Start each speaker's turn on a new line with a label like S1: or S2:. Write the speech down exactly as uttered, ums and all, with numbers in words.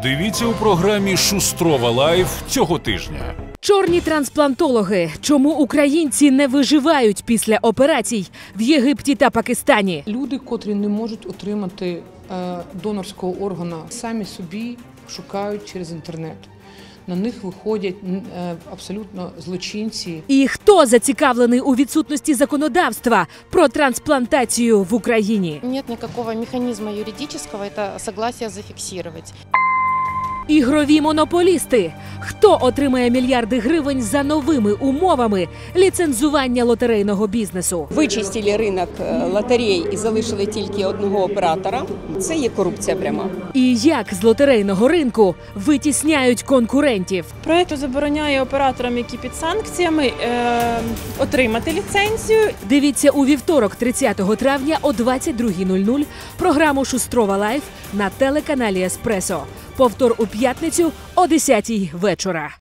S1: Дивіться у програмі «Шустрова Лайф» цього тижня.
S2: Чорні трансплантологи. Чому українці не виживають після операцій в Єгипті та Пакистані?
S3: Люди, котрі не можуть отримати е, донорського органа, самі собі шукають через інтернет. На них виходять е, абсолютно злочинці.
S2: І хто зацікавлений у відсутності законодавства про трансплантацію в Україні?
S4: Нет никакого механизма юридического это согласие зафиксировать.
S2: Ігрові монополісти. Хто отримає мільярди гривень за новими умовами ліцензування лотерейного бізнесу?
S5: Вичистили ринок лотерей і залишили тільки одного оператора. Це є корупція пряма.
S2: І як з лотерейного ринку витісняють конкурентів?
S6: Проект забороняє операторам, які під санкціями, е, отримати ліцензію.
S2: Дивіться у вівторок, тридцятого травня о двадцять другій нуль нуль програму «Шустрова Лайф» на телеканалі «Еспресо». Повтор у п'ятницю о десятій вечора.